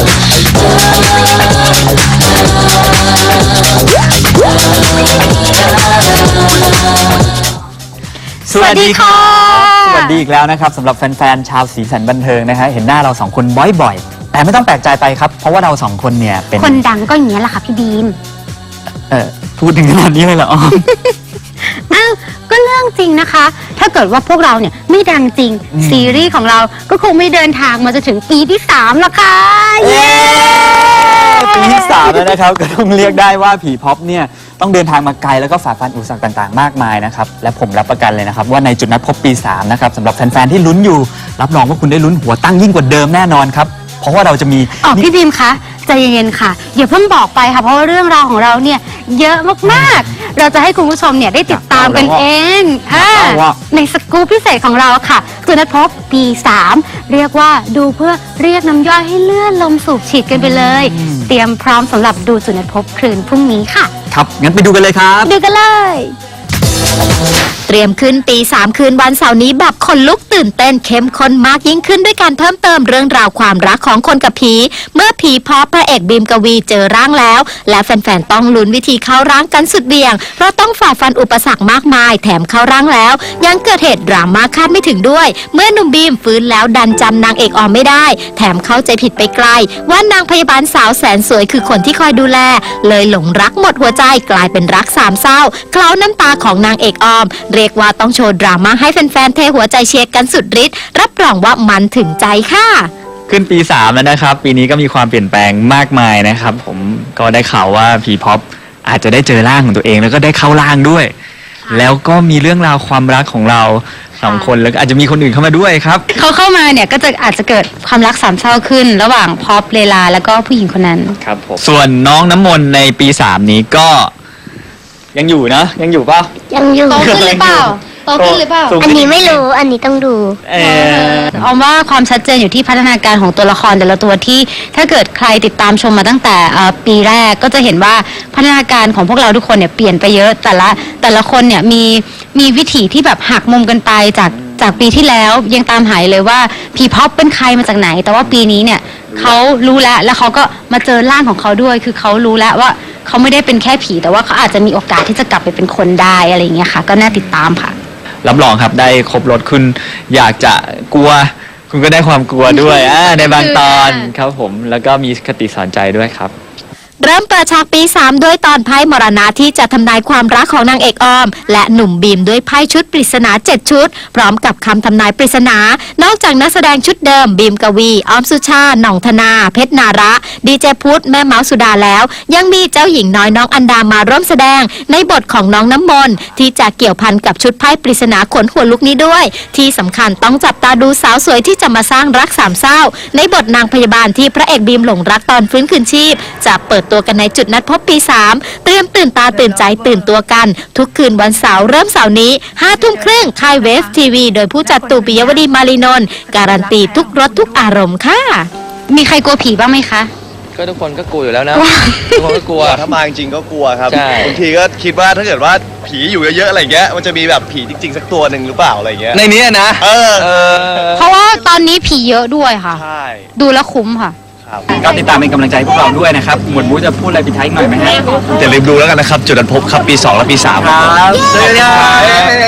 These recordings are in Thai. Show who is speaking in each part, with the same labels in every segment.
Speaker 1: สวัสดีค่ะสวัสดีอีกแล้วนะครับสำหรับแฟนๆชาวสีสันบันเทิงนะฮะเห็นหน้าเราสองคนบ่อยๆแต่ไม่ต้องแปลกใจไปครับเพราะว่าเราสองคนเนี่ยเป็น
Speaker 2: คนดังก็อย่างนี้แหละค่ะพี่บีม
Speaker 1: พูดถึงขนาดนี้เลยเหรอ
Speaker 2: อ้าวก็เรื่องจริงนะคะถ้าเกิดว่าพวกเราเนี่ยไม่ดังจริงซีรีส์ของเราก็คงไม่เดินทางมาจะถึงปีที่3แล้วค่ะเย้
Speaker 1: ปีที่3แล้วนะครับก็ต้องเรียกได้ว่าผีพ็อปเนี่ยต้องเดินทางมาไกลแล้วก็ฝ่าฟันอุปสรรคต่างๆมากมายนะครับและผมรับประกันเลยนะครับว่าในจุดนัดพบปี3นะครับสำหรับแฟนๆที่ลุ้นอยู่รับรองว่าคุณได้ลุ้นหัวตั้งยิ่งกว่าเดิมแน่นอนครับเพราะว่าเราจะมี
Speaker 2: พี่บีมคะใจเย็นๆค่ะอย่าเพิ่งบอกไปค่ะเพราะว่าเรื่องราวของเราเนี่ยเยอะมากๆเราจะให้คุณผู้ชมเนี่ยได้ติดตามกันเองในสกู๊ปพิเศษของเราค่ะจุดนัดพบปี3เรียกว่าดูเพื่อเรียกน้ำย่อยให้เลื่อนลมสูบฉีดกันไปเลยเตรียมพร้อมสำหรับดูจุดนัดพบคืนพรุ่งนี้ค่ะ
Speaker 1: ครับงั้นไปดูกันเลยครับ
Speaker 2: ดูกันเลย
Speaker 3: เตรียมขึ้นปี3คืนวันเสาร์นี้แบบคนลุกตื่นเต้นเข้มข้นมากยิ่งขึ้นด้วยการเพิ่มเติมเรื่องราวความรักของคนกับผีเมื่อผีพ็อปพระเอกบีมกวีเจอร่างแล้วและแฟนๆต้องลุ้นวิธีเข้าร่างกันสุดเบี่ยงเพราะต้องฝ่าฟันอุปสรรคมากมายแถมเข้าร่างแล้วยังเกิดเหตุดราม่าคาดไม่ถึงด้วยเมื่อหนุ่มบีมฟื้นแล้วดันจำนางเอกออมไม่ได้แถมเข้าใจผิดไปไกลว่านางพยาบาลสาวแสนสวยคือคนที่คอยดูแลเลยหลงรักหมดหัวใจกลายเป็นรักสามเศร้าเคล้าน้ำตาของนางเอกออมเรียกว่าต้องโชว์ดราม่าให้แฟนๆเทหัวใจเชียร์กันสุดฤทธิ์รับรองว่ามันถึงใจค่ะ
Speaker 1: ขึ้นปี3แล้วนะครับปีนี้ก็มีความเปลี่ยนแปลงมากมายนะครับผมก็ได้ข่าวว่าผีพ็อปอาจจะได้เจอร่างของตัวเองแล้วก็ได้เข้าร่างด้วยแล้วก็มีเรื่องราวความรักของเรา2คนแล้วอาจจะมีคนอื่นเข้ามาด้วยครับ
Speaker 2: เขาเข้ามาเนี่ยก็จะอาจจะเกิดความรักสามเศร้าขึ้นระหว่างพ็อปเลลาแล้วก็ผู้หญิงคนนั้น
Speaker 1: ครับผมส่วนน้องน้ำมนต์ในปี3นี้ก็ยังอยู่นะยังอยู่เปล่า
Speaker 2: ยังอยู่โตขึ้นหรือเปล่าโตขึ้นหรือเปล่าอันนี้ไม่รู้อันนี้ต้องดูออมว่าความชัดเจนอยู่ที่พัฒนาการของตัวละครแต่ละตัวที่ถ้าเกิดใครติดตามชมมาตั้งแต่ปีแรกก็จะเห็นว่าพัฒนาการของพวกเราทุกคนเนี่ยเปลี่ยนไปเยอะแต่ละคนเนี่ยมีวิถีที่แบบหักมุมกันไปจากปีที่แล้วยังตามหายเลยว่าผีพ็อปเป็นใครมาจากไหนแต่ว่าปีนี้เนี่ยเขารู้แล้วเขาก็มาเจอร่างของเขาด้วยคือเขารู้แล้วว่าเขาไม่ได้เป็นแค่ผีแต่ว่าเขาอาจจะมีโอกาสที่จะกลับไปเป็นคนได้อะไรอย่างเงี้ยค่ะก็น่าติดตามค่ะ
Speaker 1: รับรองครับได้ครบรถคุณอยากจะกลัวคุณก็ได้ความกลัวด้วยในบางตอนครับผมแล้วก็มีคติสอนใจด้วยครับ
Speaker 3: เริ่มเปิดฉากปี3ด้วยตอนไพ่มรณะที่จะทำนายความรักของนางเอกออมและหนุ่มบีมด้วยไพ่ชุดปริศนา7ชุดพร้อมกับคำทำนายปริศนานอกจากนักแสดงชุดเดิมบีมกวีออมสุชาหน่องธนาเพชรนาระดีเจพุทธแม่เมาสุดาแล้วยังมีเจ้าหญิงน้อยน้องอันดามาร่วมแสดงในบทของน้องน้ำมนต์ที่จะเกี่ยวพันกับชุดไพ่ปริศนาขนหัวลุกนี้ด้วยที่สำคัญต้องจับตาดูสาวสวยที่จะมาสร้างรักสามเศร้าในบทนางพยาบาลที่พระเอกบีมหลงรักตอนฟื้นคืนชีพจะเปิดตัวกันในจุดนัดพบปี3เตรียมตื่นตาตื่นใจตื่นตัวกันทุกคืนวันเสาร์เริ่มเสาร์นี้5 ทุ่มครึ่งค่ายเวฟทีวีโดยผู้จัดตู่ปิยวดีมารีนนท์การันตีทุกรสทุกอารมณ์ค่ะ
Speaker 2: มีใครกลัวผีบ้างไหมคะ
Speaker 4: ก็ทุกคนก็กลัวอยู่แล้วนะทุกคนก็กลัว
Speaker 5: ถ้ามาจริงๆก็กลัวครับ
Speaker 4: ใช่
Speaker 5: บางทีก็คิดว่าถ้าเกิดว่าผีอยู่เยอะๆอะไรเงี้ยมันจะมีแบบผีจริงๆสักตัวหนึ่งหรือเปล่าอะไรเงี้ย
Speaker 4: ในนี้นะ
Speaker 2: เพราะว่าตอนนี้ผีเยอะด้วยค่ะ
Speaker 5: ใช่
Speaker 2: ดูแล้วคุ้มค่ะ
Speaker 1: ก็ติดตามเป็นกำลังใจพวกเราด้วยนะครับหมวดมูจะพูดอะไรปิดท้ายหน่อยไหมฮะ
Speaker 5: อย่าลืมดูแล้วกันนะครับจุดนัดพบครับปี2และปี3
Speaker 1: ครับเจอกัน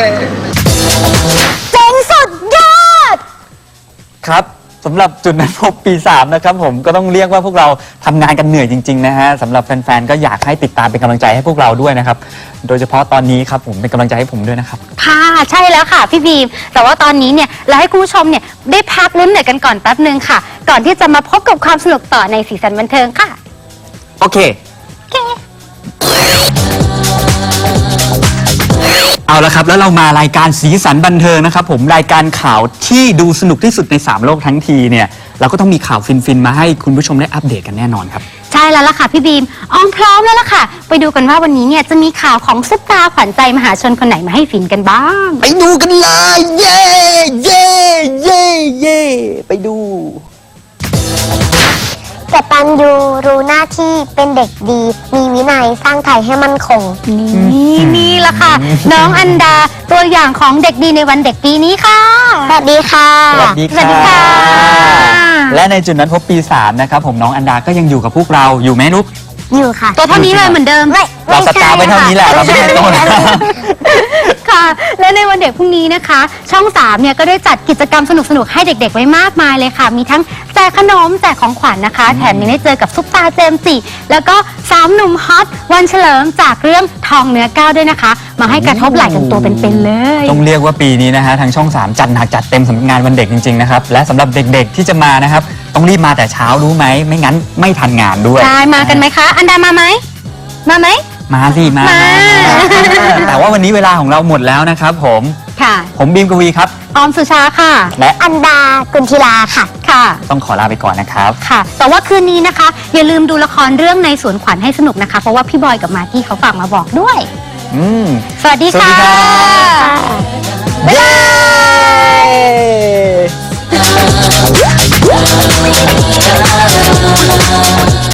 Speaker 2: เจ๋งสุดยอด
Speaker 1: ครับสำหรับจุดนัดพบปี3นะครับผมก็ต้องเรียกว่าพวกเราทำงานกันเหนื่อยจริงๆนะฮะสำหรับแฟนๆก็อยากให้ติดตามเป็นกำลังใจให้พวกเราด้วยนะครับโดยเฉพาะตอนนี้ครับผมเป็นกำลังใจให้ผมด้วยนะครับ
Speaker 2: ค่ะใช่แล้วค่ะพี่บีมแต่ว่าตอนนี้เนี่ยเราให้คุณผู้ชมเนี่ยได้พักลุ้นเหนื่อยกันก่อนแป๊บนึงค่ะก่อนที่จะมาพบกับความสนุกต่อในสีสันบันเทิงค่ะ
Speaker 1: โอเคเอาละครับแล้วเรามารายการสีสันบันเทิงนะครับผมรายการข่าวที่ดูสนุกที่สุดใน3โลกทั้งทีเนี่ยเราก็ต้องมีข่าวฟินๆมาให้คุณผู้ชมได้อัปเดตกันแน่นอนครับ
Speaker 2: ใช่แล้วล่ะค่ะพี่บีมออมพร้อมแล้วล่ะค่ะไปดูกันว่าวันนี้เนี่ยจะมีข่าวของซุปตาขวัญใจมหาชนคนไหนมาให้ฟินกันบ้าง
Speaker 1: ไปดูกันเลยเย่เย่เย่เย่ไปดู
Speaker 6: กตัญญูรู้หน้าที่เป็นเด็กดีมีวินัยสร้างไทยให้มั่นคง
Speaker 2: นี่ล่ะค่ะน้องอันดาตัวอย่างของเด็กดีในวันเด็กปีนี้ค่ะ
Speaker 6: สวัสดีค่ะ
Speaker 1: สวัสดีค่ะและในจุดนั้นพบปี3นะครับผมน้องอันดาก็ยังอยู่กับพวกเราอยู่ไหมลูก
Speaker 6: อยู่ค่ะ
Speaker 2: ตัวเท่านี้เลยเหมือนเดิม
Speaker 1: เราสตาร์ไปเท่านี้แหละเราไม่ได้โตนะ
Speaker 2: ค่ะ และในวันเด็กพรุ่งนี้นะคะ ช่อง 3 เนี่ยก็ได้จัดกิจกรรมสนุกๆ ให้เด็กๆ ไว้มากมายเลยค่ะ มีทั้งแจกขนมแจกของขวัญนะคะ แถมยังได้เจอกับซุปตาเจมส์จิแล้วก็3 หนุ่มฮอตวันเฉลิมจากเรื่องทองเนื้อก้าวด้วยนะคะ มาให้กระทบไหล่กันตัวเป็นๆเลย
Speaker 1: ต้องเรียกว่าปีนี้นะฮะทางช่อง 3 จัดหนักจัดเต็มสำหรับงานวันเด็กจริงๆนะครับและสำหรับเด็กๆที่จะมานะครับต้องรีบมาแต่เช้ารู้ไหมไม่งั้นไม่ทันงานด้วย
Speaker 2: ใช่ มากันไหมคะ อันดามาไหม มาไหม
Speaker 1: มาสิมา
Speaker 2: มา
Speaker 1: แต่ว่าวันนี้เวลาของเราหมดแล้วนะครับผม
Speaker 2: ค่ะ
Speaker 1: ผมบีมกวีครับ
Speaker 2: ออมสุชาค่ะ
Speaker 1: และ
Speaker 6: อันดากุลธิลาค่ะ
Speaker 2: ค่ะ
Speaker 1: ต้องขอลาไปก่อนนะครับ
Speaker 2: ค่ะ แต่ว่าคืนนี้นะคะ อย่าลืมดูละครเรื่องในสวนขวัญให้สนุกนะคะ เพราะว่าพี่บอยกับมากกี้เขาฝากมาบอกด้วย
Speaker 1: อืม
Speaker 2: สวัสดี
Speaker 1: สวัส
Speaker 2: ค่ะ
Speaker 1: ดีครับ
Speaker 2: บ๊ายบาย
Speaker 1: เย้